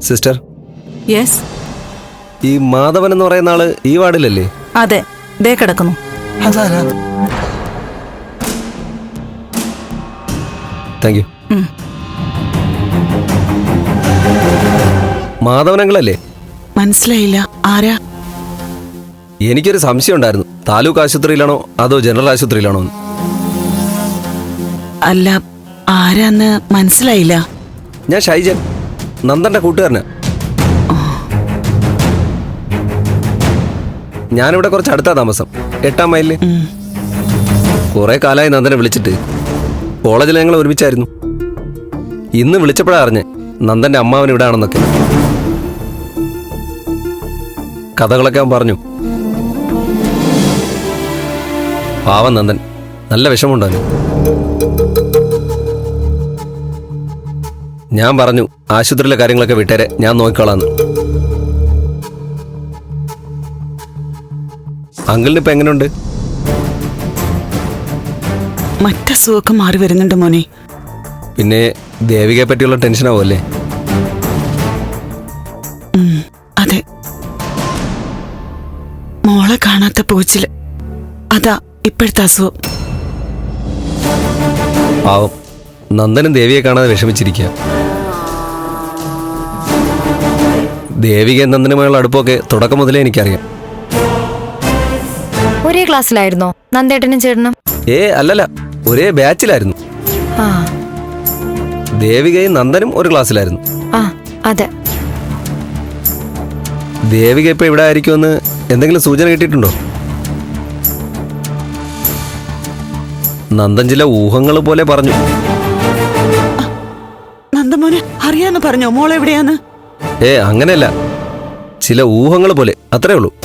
Sister. Yes. ഈ മാധവൻ എന്ന് പറയുന്ന ആള് ഈ വാർഡിലല്ലേ? അതെ, ദേ കിടക്കുന്നു. Thank you. മാധവനങ്ങളല്ലേ? മനസ്സിലായില്ല, ആരാ? എനിക്കൊരു സംശയം ഉണ്ടായിരുന്നു, താലൂക്ക് ആശുപത്രിയിലാണോ അതോ ജനറൽ ആശുപത്രിയിലാണോ? അല്ല, ആരാന്ന് മനസ്സിലായില്ല. ഞാൻ ഷൈജൻ, നന്ദന്റെ കൂട്ടുകാരനാ. ഞാനിവിടെ കുറച്ച് അടുത്താ താമസം, 8-ാം മൈലില്. കുറെ കാലമായി നന്ദനെ വിളിച്ചിട്ട്. കോളേജിൽ ഞങ്ങൾ ഒരുമിച്ചായിരുന്നു. ഇന്ന് വിളിച്ചപ്പോഴാ അറിഞ്ഞ് നന്ദന്റെ അമ്മാവൻ ഇവിടെ ആണെന്നൊക്കെ. കഥകളൊക്കെ അവൻ പറഞ്ഞു. പാവം നന്ദൻ, നല്ല വിഷമമുണ്ടായിരുന്നു. ഞാൻ പറഞ്ഞു ആശുപത്രിയിലെ കാര്യങ്ങളൊക്കെ വിട്ടേരെ, ഞാൻ നോക്കിക്കോളാന്ന്. അങ്കിളിന് ഇപ്പൊ എങ്ങനെയുണ്ട്? മറ്റസുഖമൊക്കെ മാറി വരുന്നുണ്ട് മോനെ. പിന്നെ ദേവികയെ പറ്റിയുള്ള ടെൻഷനാവുമല്ലേ? അതെ, മോളെ കാണാത്ത പോച്ചില്, അതാ ഇപ്പോഴത്തെ അസുഖം. പാവം, നന്ദനും ദേവിയെ കാണാതെ വിഷമിച്ചിരിക്കുക. ദേവിക നന്ദനുമായുള്ള അടുപ്പമൊക്കെ തുടക്കം മുതലേ എനിക്കറിയാം. ഒരേ ക്ലാസ്സിലായിരുന്നോ നന്ദേട്ടനും ചേട്ടനും? അല്ലല്ല, ഒരേ ബാച്ചിലായിരുന്നു. ദേവികയും നന്ദനും ഒരു ക്ലാസ്സിലായിരുന്നു. അതെ. ദേവിക ഇപ്പൊ ഇവിടെ ആയിരിക്കുമെന്ന് എന്തെങ്കിലും സൂചന കിട്ടിയിട്ടുണ്ടോ? നന്ദൻ ചില ഊഹങ്ങൾ പോലെ പറഞ്ഞു. നന്ദമോനെ അറിയാന്ന് പറഞ്ഞോ മോളെ എവിടെയാന്ന്? അങ്ങനെയല്ല, ചില ഊഹങ്ങൾ പോലെ, അത്രേ ഉള്ളൂ.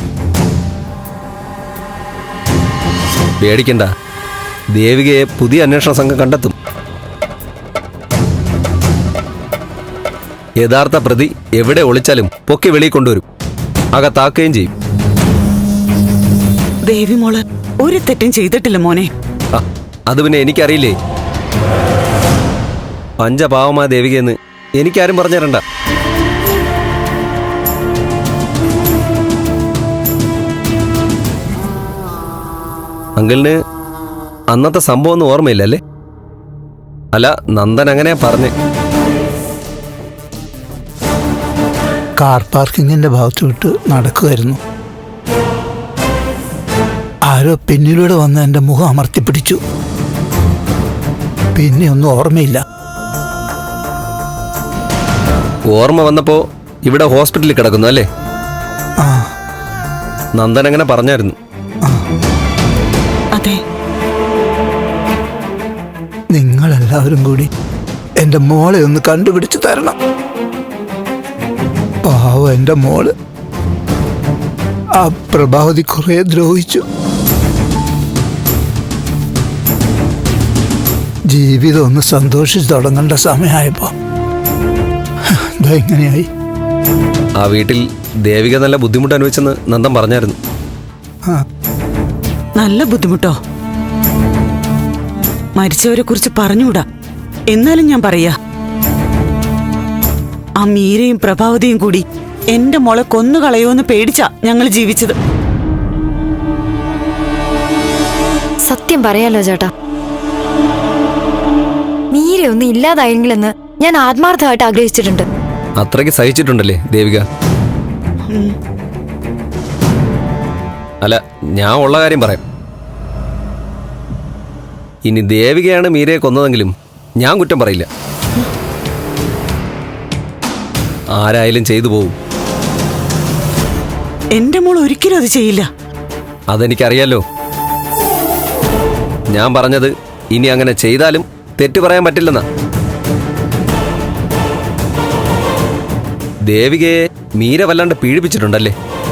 പേടിക്കണ്ട, ദേവികയെ പുതിയ അന്വേഷണ സംഘം കണ്ടെത്തും. യഥാർത്ഥ പ്രതി എവിടെ ഒളിച്ചാലും പൊക്കി വെളിയിൽ കൊണ്ടുവരും, അകത്താക്കുകയും ചെയ്യും. ദേവി മോള് ഒരു തെറ്റും ചെയ്തിട്ടില്ല മോനെ. അത് പിന്നെ എനിക്കറിയില്ലേ? പഞ്ചപാവമായ ദേവികയെന്ന് എനിക്കാരും പറഞ്ഞു തരണ്ട. അങ്കിളിന് അന്നത്തെ സംഭവം ഒന്നും ഓർമ്മയില്ലല്ലേ? അല്ല, നന്ദൻ അങ്ങനെ പറഞ്ഞ്. കാർ പാർക്കിങ്ങിന്റെ ഭാഗത്ത് വിട്ട് നടക്കുമായിരുന്നു. ആരോ പിന്നിലൂടെ വന്ന് എൻ്റെ മുഖം അമർത്തിപ്പിടിച്ചു. പിന്നെ ഒന്നും ഓർമ്മയില്ല. ഓർമ്മ വന്നപ്പോ ഇവിടെ ഹോസ്പിറ്റലിൽ കിടക്കുന്നു അല്ലേ? നന്ദൻ അങ്ങനെ പറഞ്ഞായിരുന്നു. അതെ. നിങ്ങളെല്ലാവരും കൂടി എൻ്റെ മോളെ ഒന്ന് കണ്ടുപിടിച്ചു തരണം. പാവം എൻ്റെ മോള്. ആ പ്രഭാവതി കുറെ ദ്രോഹിച്ചു. ജീവിതം ഒന്ന് സന്തോഷിച്ച് തുടങ്ങേണ്ട സമയമായപ്പോ ഇതെങ്ങനെയായി? ആ വീട്ടിൽ ദേവിക നല്ല ബുദ്ധിമുട്ട് അനുഭവിച്ചെന്ന് നന്ദൻ പറഞ്ഞായിരുന്നു. നല്ല ബുദ്ധിമുട്ടോ? മരിച്ചവരെ കുറിച്ച് പറഞ്ഞുകൂടാ, എന്നാലും ഞാൻ പറയാ, ആ മീരയും പ്രഭാവതിയും കൂടി എന്റെ മോളെ കൊന്നുകളയോന്ന് പേടിച്ചാ ഞങ്ങൾ ജീവിച്ചത്. സത്യം പറയാലോ ചേട്ടാ, മീര ഒന്നും ഇല്ലാതായെങ്കിലെന്ന് ഞാൻ ആത്മാർത്ഥമായിട്ട് ആഗ്രഹിച്ചിട്ടുണ്ട്. അത്രയ്ക്ക് സഹിച്ചിട്ടുണ്ടല്ലേ ദേവിക? അല്ല, ഞാൻ ഉള്ള കാര്യം പറയാം. ഇനി ദേവികയാണ് മീരയെ കൊന്നതെങ്കിലും ഞാൻ കുറ്റം പറയില്ല. ആരായാലും ചെയ്തു പോവും. എന്റെ മോൾ ഒരിക്കലും അത് ചെയ്യില്ല. അതെനിക്കറിയാലോ. ഞാൻ പറഞ്ഞത് ഇനി അങ്ങനെ ചെയ്താലും തെറ്റു പറയാൻ പറ്റില്ലെന്നാ. ദേവികയെ മീര വല്ലാണ്ട് പീഡിപ്പിച്ചിട്ടുണ്ടല്ലേ?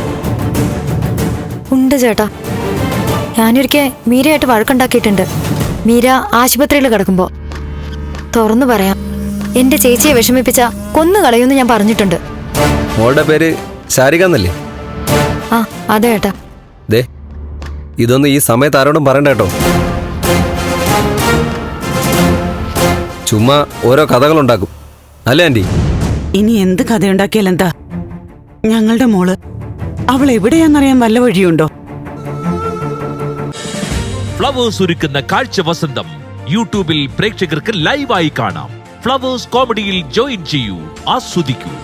ഉണ്ട് ചേട്ടാ, ഞാനൊരിക്കൽ മീരയായിട്ട് വഴക്കുണ്ടാക്കിയിട്ടുണ്ട്. മീര ആശുപത്രിയിൽ കിടക്കുമ്പോ തുറന്നു പറയാം, എന്റെ ചേച്ചിയെ വിഷമിപ്പിച്ച കൊന്നുകളയുമെന്ന് ഞാൻ പറഞ്ഞിട്ടുണ്ട്. മോളുടെ പേര് ശാരിക എന്നല്ലേ? അതെ ഏട്ടാ. ദേ, ഇതൊന്നും ഈ സമയത്ത് ആരോടും പറയണ്ട കേട്ടോ. ചുമ്മാ ഓരോ കഥകളുണ്ടാക്കും അല്ലേ ആൻറ്റി? ഇനി എന്ത് കഥയുണ്ടാക്കിയാലെന്താ? ഞങ്ങളുടെ മോള് അവൾ എവിടെയാന്നറിയാൻ വല്ല വഴിയുണ്ടോ? ഫ്ലവേഴ്സ് ഒരുക്കുന്ന കാഴ്ച വസന്തം യൂട്യൂബിൽ പ്രേക്ഷകർക്ക് ലൈവായി കാണാം. ഫ്ലവേഴ്സ് കോമഡിയിൽ ജോയിൻ ചെയ്യൂ, ആസ്വദിക്കൂ.